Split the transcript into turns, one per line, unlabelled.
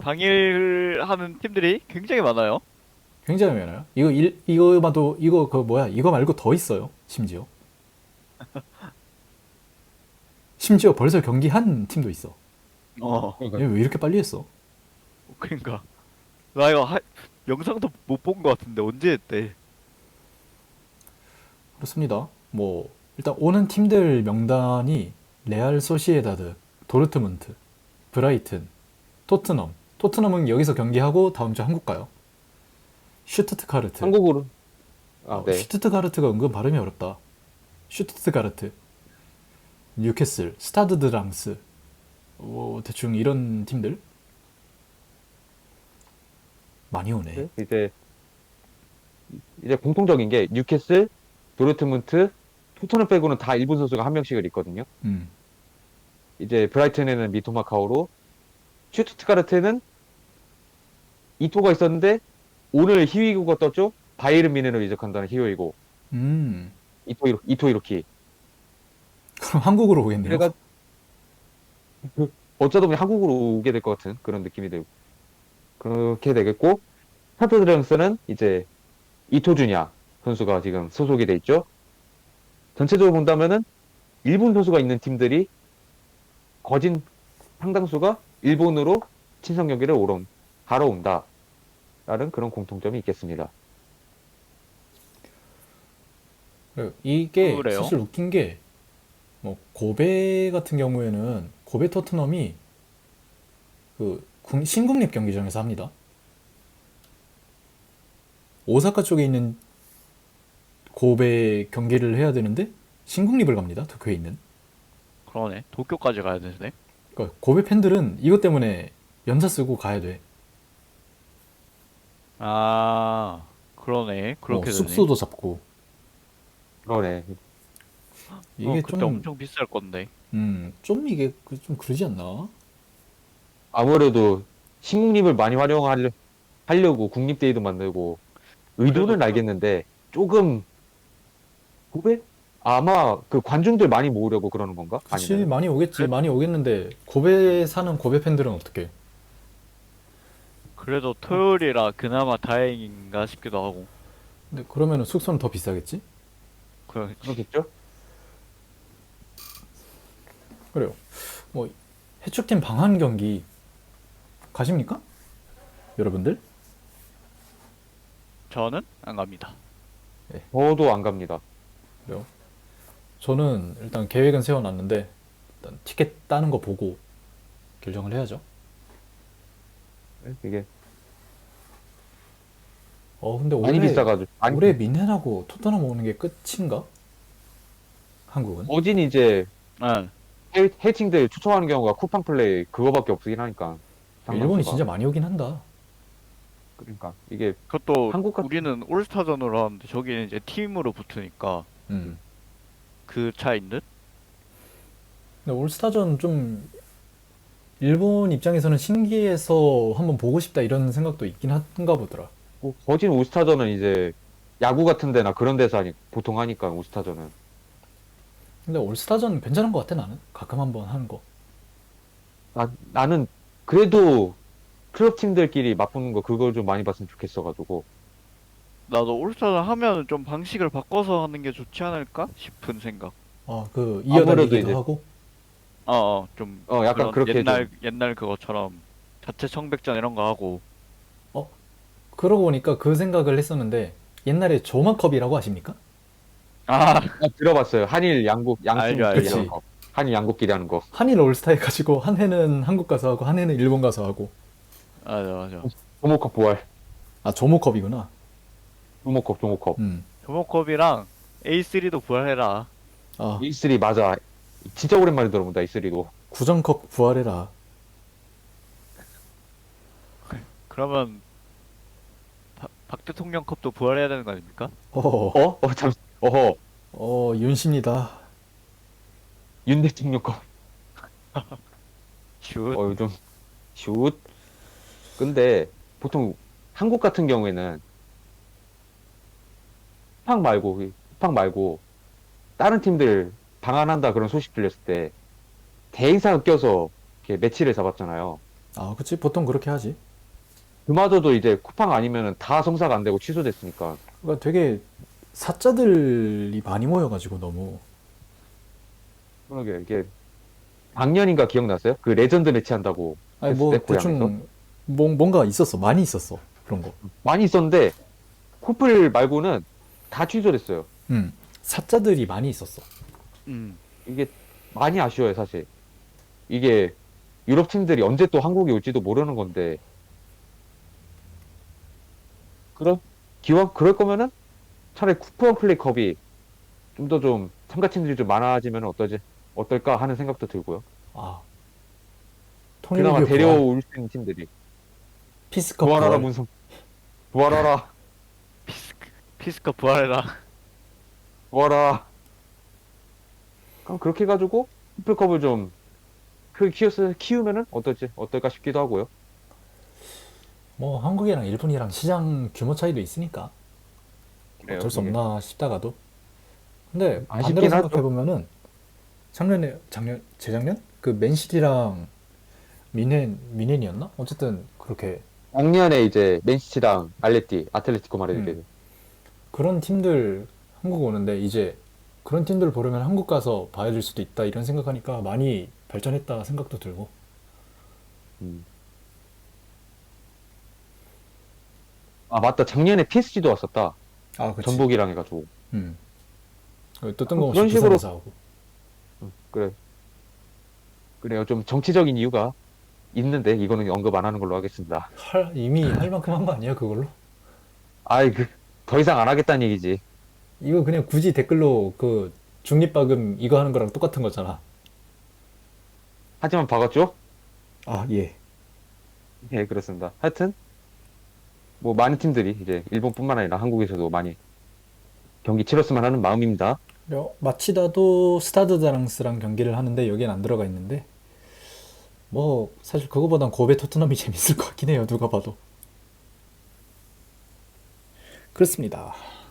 방일하는 팀들이 굉장히 많아요.
굉장히 많아요. 이거마도 이거 그 뭐야 이거 말고 더 있어요. 심지어 벌써 경기한 팀도 있어.
어,
그러니까
얘 왜 이렇게 빨리 했어?
그러니까 나 이거 영상도 못 본 것 같은데 언제 했대?
그렇습니다. 뭐 일단 오는 팀들 명단이 레알 소시에다드, 도르트문트, 브라이튼, 토트넘. 토트넘은 여기서 경기하고 다음 주 한국 가요. 슈투트가르트.
한국으로 네.
슈투트가르트가 은근 발음이 어렵다. 슈투트가르트, 뉴캐슬, 스타드 드랑스. 뭐 대충 이런 팀들 많이 오네.
이제 공통적인 게 뉴캐슬, 도르트문트, 토트넘 빼고는 다 일본 선수가 한 명씩을 있거든요.
음.
이제 브라이튼에는 미토마 카오로, 슈투트가르트는 이토가 있었는데 오늘 히위고가 떴죠. 바이에른 미넨으로 이적한다는 히오이고
음.
이토 이로키.
그럼 한국으로 오겠네요.
그래가 어쩌다 보니 한국으로 오게 될 것 같은 그런 느낌이 들고 그렇게 되겠고, 스타드 드랑스는 이제 이토주냐 선수가 지금 소속이 돼 있죠. 전체적으로 본다면은 일본 선수가 있는 팀들이 거진 상당수가 일본으로 친선 경기를 하러 온다라는 그런 공통점이 있겠습니다.
이게
그래요?
사실 웃긴 게 뭐 고베 같은 경우에는 고베 토트넘이 그 신국립 경기장에서 합니다. 오사카 쪽에 있는 고베 경기를 해야 되는데 신국립을 갑니다. 도쿄에 있는.
그러네. 도쿄까지 가야 되네.
그러니까 고베 팬들은 이것 때문에 연차 쓰고 가야 돼.
아, 그러네. 그렇게 되네.
숙소도 잡고.
그러네.
이게
그때 엄청 비쌀 건데.
좀 이게 좀 그러지 않나?
아무래도 신국립을 많이 하려고 국립대회도 만들고 의도는
그래도
알겠는데 조금 고배? 아마 그 관중들 많이 모으려고 그러는 건가?
그치,
아니면
많이 오겠지.
그래-
많이 오겠는데 고베 사는 고베 팬들은 어떻게?
그래도 토요일이라 그나마 다행인가 싶기도 하고.
근데 그러면은 숙소는 더 비싸겠지?
그
그렇겠죠?
그래요. 뭐 해축팀 방한 경기 가십니까? 여러분들?
저는 안 갑니다.
저도 안 갑니다.
그래요. 저는 일단 계획은 세워놨는데 일단 티켓 따는 거 보고 결정을 해야죠.
이게
근데
많이 비싸가지고
올해 미넨하고 토트넘 오는 게 끝인가? 한국은?
어진 이제
응.
해칭들 추첨하는 경우가 쿠팡 플레이 그거밖에 없긴 하니까
일본이
상당수가.
진짜 많이 오긴 한다.
그러니까 이게
그것도
한국 같은
우리는 올스타전으로 하는데 저기는 이제 팀으로 붙으니까
음.
그 차이인 듯?
근데 올스타전 좀 일본 입장에서는 신기해서 한번 보고 싶다 이런 생각도 있긴 한가 보더라.
거진 올스타전은 이제 야구 같은 데나 그런 데서 보통 하니까 올스타전은
근데 올스타전 괜찮은 것 같아 나는. 가끔 한번 하는 거.
나는 그래도 클럽 팀들끼리 맞붙는 거 그걸 좀 많이 봤으면 좋겠어가지고.
나도 올스타전 하면 좀 방식을 바꿔서 하는 게 좋지 않을까 싶은 생각.
그
아무래도
이어다니기도
이제
하고.
좀
약간
그런
그렇게
옛날 그것처럼 자체 청백전 이런 거 하고.
그러고 보니까 그 생각을 했었는데 옛날에 조마컵이라고 아십니까?
아,
들어봤어요. 한일 양국
알죠,
양팀끼리
알죠.
하는 거. 한일 양국끼리 하는 거.
한일 올스타 해가지고 한 해는 한국 가서 하고 한 해는 일본 가서 하고.
맞아.
조모컵 부활.
조모컵이구나.
조모컵.
조모컵이랑 A3도 부활해라.
E3 맞아. 진짜 오랜만에 들어본다 E3도.
구정컵 부활해라.
그러면 박 대통령 컵도 부활해야 되는 거 아닙니까?
어허.
윤씨입니다.
윤 대통령 컵.
슛.
요즘 슛. 근데 보통 한국 같은 경우에는 쿠팡 말고 다른 팀들 방한한다 그런 소식 들렸을 때 대행사가 껴서 이렇게 매치를 잡았잖아요.
아, 그치. 보통 그렇게 하지.
그마저도 이제 쿠팡 아니면은 다 성사가 안 되고 취소됐으니까.
그러니까 되게 사자들이 많이 모여가지고 너무.
그러게 이게 작년인가 기억나세요? 그 레전드 매치 한다고
아니,
했을
뭐,
때 고향에서
대충, 뭔가 있었어. 많이 있었어. 그런 거.
많이 있었는데 코플 말고는 다 취소됐어요.
사자들이 많이 있었어.
이게 많이 아쉬워요, 사실. 이게 유럽 팀들이 언제 또 한국에 올지도 모르는 건데, 기왕 그럴 거면은 차라리 쿠팡 플레이컵이 좀 더 좀 참가 팀들이 좀 많아지면 어떨까 하는 생각도 들고요.
아,
그나마
통일교 부활,
데려올 수 있는 팀들이
피스컵
부활하라
부활.
문성, 부활하라,
피스카 부활해라.
부활하라. 그럼 그렇게 해가지고 쿠플컵을 좀 크게 키우면은 어떨까 싶기도 하고요.
뭐 한국이랑 일본이랑 시장 규모 차이도 있으니까
그래요,
어쩔 수
이게.
없나 싶다가도. 근데 반대로
아쉽긴 하죠.
생각해 보면은 재작년 그 맨시티랑 미넨이었나? 어쨌든 그렇게
작년에 이제 맨시티랑 아틀레티코 마드리드.
그런 팀들 한국 오는데 이제 그런 팀들 보려면 한국 가서 봐야 될 수도 있다 이런 생각하니까 많이 발전했다 생각도 들고.
음. 아, 맞다. 작년에 PSG도 왔었다.
아, 그치.
전북이랑 해가지고.
음. 또 뜬금없이
그런 식으로,
부산에서 하고.
그래. 그래요. 좀 정치적인 이유가 있는데, 이거는 언급 안 하는 걸로 하겠습니다.
이미 할 만큼 한 거 아니야 그걸로?
아이, 더 이상 안 하겠다는 얘기지.
이거 그냥 굳이 댓글로 그 중립박음 이거 하는 거랑 똑같은 거잖아.
하지만 박았죠?
아, 예.
네, 그렇습니다. 하여튼, 뭐, 많은 팀들이 이제 일본뿐만 아니라 한국에서도 많이 경기 치렀으면 하는 마음입니다.
마치다도 스타드드랑스랑 경기를 하는데 여기엔 안 들어가 있는데 뭐 사실 그거보단 고베 토트넘이 재밌을 것 같긴 해요. 누가 봐도. 그렇습니다.